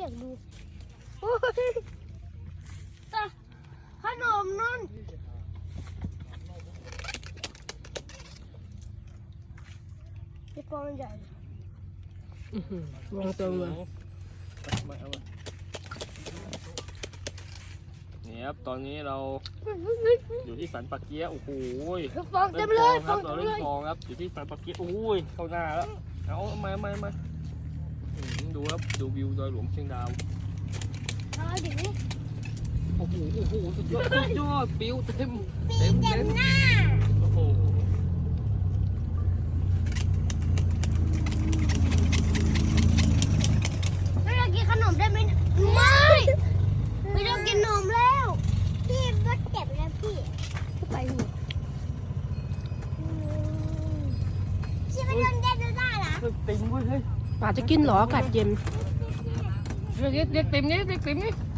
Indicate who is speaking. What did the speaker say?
Speaker 1: กดูโอ้ยตาขนมนั่นไอ้ฟองใหญ่
Speaker 2: วางตัวมา
Speaker 3: นี่ครับตอนนี้เราอยู่ที่สันปะเกียะโอ้โห
Speaker 1: ฟองเต็มเลยฟ
Speaker 3: ครั
Speaker 1: อบ ง
Speaker 3: เรา
Speaker 1: เต็ม
Speaker 3: เล่
Speaker 1: เล
Speaker 3: น
Speaker 1: ย
Speaker 3: ฟองครับอยู่ที่สันปะเกียะโอ้ยเข้าหน้าแล้วเอามาดูครับดูวิวดอยหลวงเชียงดาว
Speaker 1: เอาดิ
Speaker 3: โอ้โหสุดยอดปิวเต็ม
Speaker 1: เต็มหน้า
Speaker 3: โอ้โห
Speaker 1: ไม่ต้องกินขนมได้ไหมไม่ต้องกินนมแล้วพี่ก็เจ็บแล้วพี่ไปหูพี่ไม่ต้องเล่นได้เหรอ
Speaker 3: เต็มเว้ยเฮ้ย
Speaker 2: ป่าจะกินเหรออากาศเย็น
Speaker 3: เด็กเต็มนี่